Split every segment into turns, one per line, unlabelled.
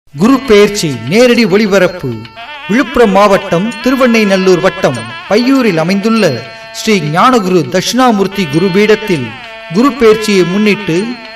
குரு பெயர்ச்சி நேரடி ஒளிபரப்பு விழுப்புரம் மாவட்டம் திருவெண்ணைநல்லூர் வட்டம் பையூரில் அமைந்துள்ள ஸ்ரீ ஞானகுரு தட்சிணாமூர்த்தி குருபீடத்தில் குரு பெயர்ச்சியை முன்னிட்டு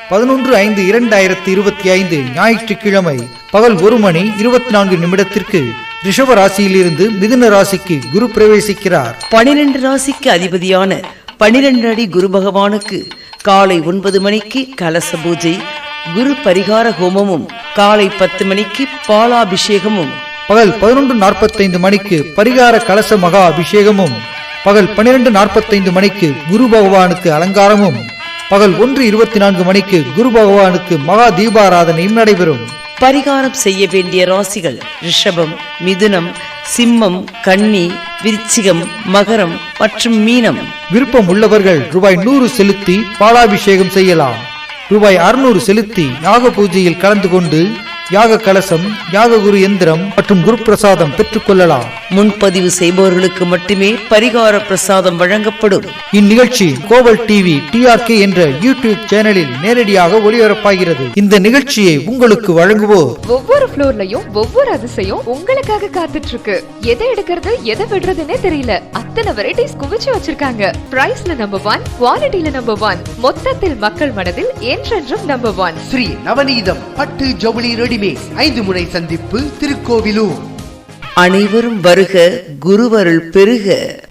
11/5/2025 ஞாயிற்றுக்கிழமை பகல் 1:24 ரிஷப ராசியிலிருந்து மிதுன ராசிக்கு குரு பிரவேசிக்கிறார்.
12 ராசிக்கு அதிபதியான 12 அடி குரு பகவானுக்கு காலை 9 மணிக்கு கலச பூஜை, குரு பரிகார ஹோமமும், காலை 10 மணிக்கு பாலாபிஷேகமும்,
பகல் 11:45 பரிகார கலச மகா அபிஷேகமும், பகல் 12:45 குரு பகவானுக்கு அலங்காரமும், பகல் 1:24 குரு பகவானுக்கு மகா தீபாராதனையும் நடைபெறும்.
பரிகாரம் செய்ய வேண்டிய ராசிகள் ரிஷபம், மிதுனம், சிம்மம், கன்னி, விருச்சிகம், மகரம் மற்றும் மீனம்.
விருப்பம் உள்ளவர்கள் ரூபாய் 100 செலுத்தி பாலாபிஷேகம் செய்யலாம். ரூபாய் 600 செலுத்தி யாக பூஜையில் கலந்து கொண்டு யாக கலசம், யாக குரு எந்திரம் மற்றும் குரு பிரசாதம் பெற்றுக் கொள்ளலாம்.
முன்பதிவு செய்பவர்களுக்கு மட்டுமே பரிகார பிரசாதம் வழங்கப்படும்.
இந்நிகழ்ச்சி கோவல் டிவி TRK என்ற யூடியூப் சேனலில் நேரடியாக ஒளிபரப்பாகிறது. இந்த நிகழ்ச்சியை உங்களுக்கு வழங்குவோர்
ஒவ்வொரு ஃப்ளோர்லயும் ஒவ்வொரு அதிசயம் உங்களுக்காக காத்துட்டு இருக்கு. எதை எடுக்கிறது எதை விடுறதுன்னே தெரியல. அத்தனை வெரைட்டிஸ் குவிச்சு வச்சிருக்காங்க. பிரைஸ்ல நம்பர் 1, குவாலிட்டியில நம்பர் 1, மொத்தத்தில் மக்கள் மனதில் என்றென்றும் நம்பர் 1.
ஸ்ரீ நவநீதம் பட்டு ஜவுளி ரெடிமேட் 5 முனை சந்திப்பு, திருக்கோவிலூர்.
அனைவரும் வருக, குருவருள் பெருக.